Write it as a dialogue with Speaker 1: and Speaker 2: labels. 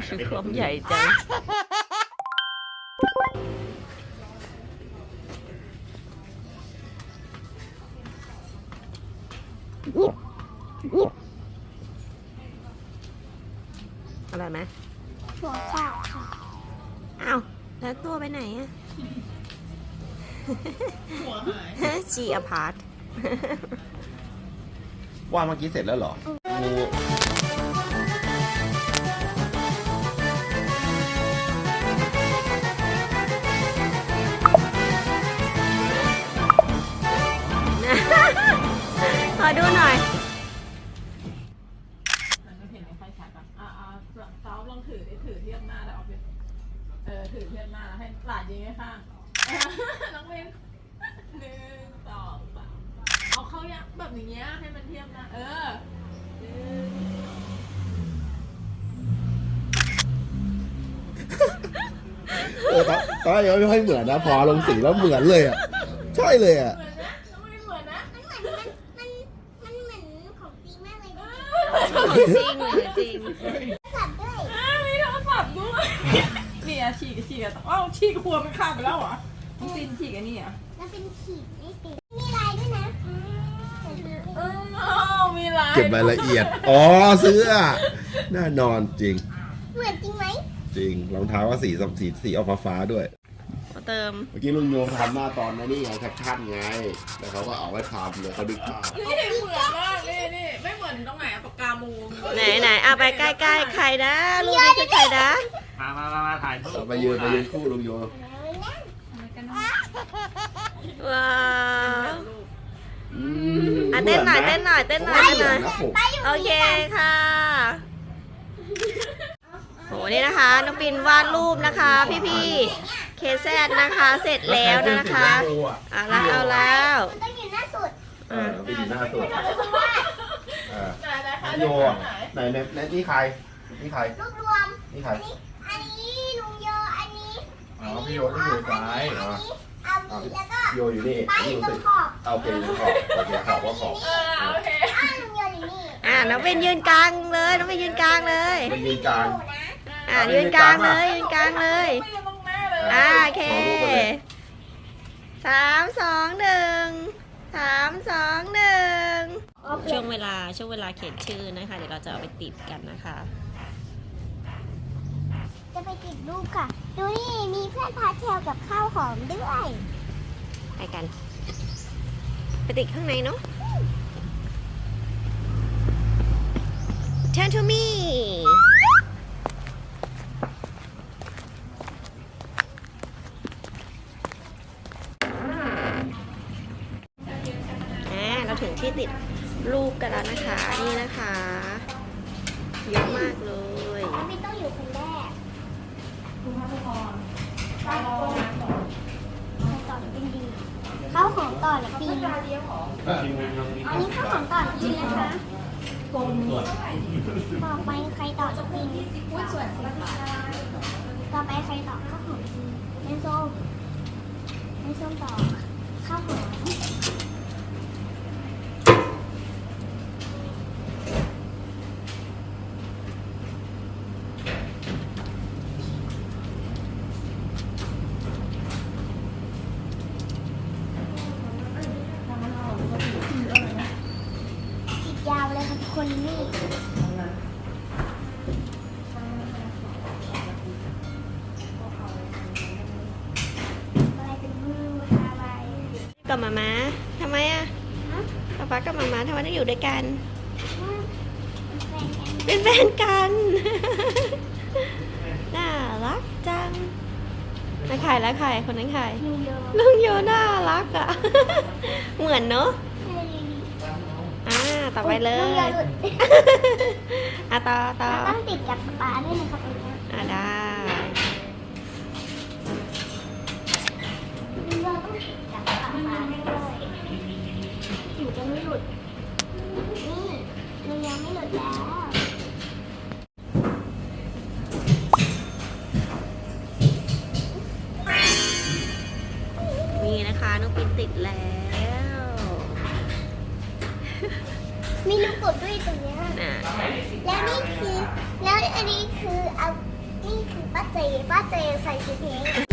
Speaker 1: ความใหญ่จังอะไรไหม
Speaker 2: หัวขาดค่ะ
Speaker 1: อ้าวแล้วตัวไปไหนอะ
Speaker 3: หัวหาย
Speaker 1: ชีอพาร์ต
Speaker 4: ว่าเมื่อกี้เสร็จแล้วเหรองู
Speaker 1: ขอดูหน่อย
Speaker 3: มันไม่เห็นไม่ค่อยชัดอ่ะซ้อมลองถือเทียบหน้าแล้วเอาไปถือเทียบหน้าแล้วให้หลานยิงให้ข้างน้องเบน1 2 3เอาเข้ายักแบบอย่างเงี้ยให้มันเทียบหน้า
Speaker 4: ตอนยังไม่ค่อยเหมือนนะพอลงสีแล้วเหมือนเลยอ่ะใช่เลยอ่ะ
Speaker 3: เหมือนนะน้องเบนเหมือนนะ
Speaker 2: มันเหมือนของจริงมากเลยนะ
Speaker 1: จริงเลยจริง
Speaker 2: สับด้วย
Speaker 3: มีโทรศัพท์ด้วยนี่อะฉีกฉีกหัวมันขาดไปแล้วเหรอต้องตีนฉีกอันนี้อ่ะ
Speaker 2: แล้วเป็นขีดไม่ติดมีลายด้วยนะ
Speaker 3: มีลาย
Speaker 4: เก็บรายละเอียดอ๋อเสื้อแน่นอนจริง
Speaker 2: เหมือนจริงไหม
Speaker 4: จริงรองเท้าก็สีออกฟ้าด้วย
Speaker 1: เติม
Speaker 4: เมื่อกี้ลุงโยทำหน้าตอนนี้ไงแคปชั่นไงแล้วเขาก็เอาไว้ทำเลยเขาดึกภาพ
Speaker 3: นี่เหมือนมากนี่ไม่เหมือนตรงไหนปากกามู
Speaker 1: ไหนเอาไปใกล้ๆใครนะรูปนี้คือใครนะ
Speaker 5: มาถ่ายรูป
Speaker 4: ไปยืนคู่ลุงโย
Speaker 1: ว้าวเต้นหน่อยโอเคค่ะโหนี่นะคะน้องปินวาดรูปนะคะพี่เคแซดนะคะเสร็จแล้วนะคะเอาแล้ว
Speaker 2: มันต้องอยู่หน้าสุด
Speaker 4: ไปอยู่หน้าสุดโยไหนนี่ใคร
Speaker 2: รวบรวม
Speaker 4: นี่ใคร
Speaker 2: อันนี้ลุงโยอันนี้
Speaker 4: อ๋อพี่โยต้องอยู่ซ้าย
Speaker 2: อัน
Speaker 4: เหรอ
Speaker 2: นี้เอาแล้วก็
Speaker 4: โยอยู่นี่
Speaker 2: ป้ายอยู่ตรงขอบ
Speaker 4: โอเคอยู่ขอบโอเคขอบว่าขอบ
Speaker 3: โอเค
Speaker 2: ลุงโยอยู่นี่
Speaker 1: น้องเป็นยืนกลางเลยน้องเป็นยืนกลางเลย
Speaker 4: ไปยืนกลาง
Speaker 1: ยืนกลางเลย
Speaker 3: ไม่อยู่ตรงหน้าเลย
Speaker 1: โอเค3 2 1ช่วงเวลาเขียนชื่อนะคะเดี๋ยวเราจะเอาไปติดกันนะคะ
Speaker 2: จะไปติดรูปค่ะ ดูนี่มีเพื่อนพาเทลกับข้าวหอมด้วย
Speaker 1: ไปกัน ไปติดข้างในเนาะ Turn to me เราถึงที่ติดรูปกันแล้วนะคะ นี่นะคะเยอะมากเลย
Speaker 2: แล้วไม่ต้องอยู่คนแรก
Speaker 3: คุณพระพร
Speaker 2: ต่อเป็นดีข้าวหอมต่อและปีอันนี้ข้าวหอมต่อและปีนะคะต่อไปใครต่อจะปีต่อไปใครต่อข้าวหอมปีไม่ส้มต่อข้าวหอมยาวเลยค่ะคนนี่อะไรเป็นมืออะไร
Speaker 1: กับมาม่าทำไมอะป๊ากับมาม่าทำไมต้องอยู่ด้วยกัน เป็นแฟนกัน น่ารักจังแล้วใครคนนั้นใครลุงโยน่ารักอะ เหมือนเนอะต่อไปเลยต่อ
Speaker 2: ต้องติดกับปลาด้วยนะครับตรงนี้
Speaker 1: ได้
Speaker 2: เราต้องติดกับปลาด้วยอยู่จะไม่หลุดนี่มันยังไม่หลุดแล้ว
Speaker 1: นี่นะคะน้องปินติดแล้ว
Speaker 2: มีลูกกดด้วยตรงนี้แล้วนี่คือแล้วอันนี้คือเอานี่คือป้าเจใส่ชุดนี้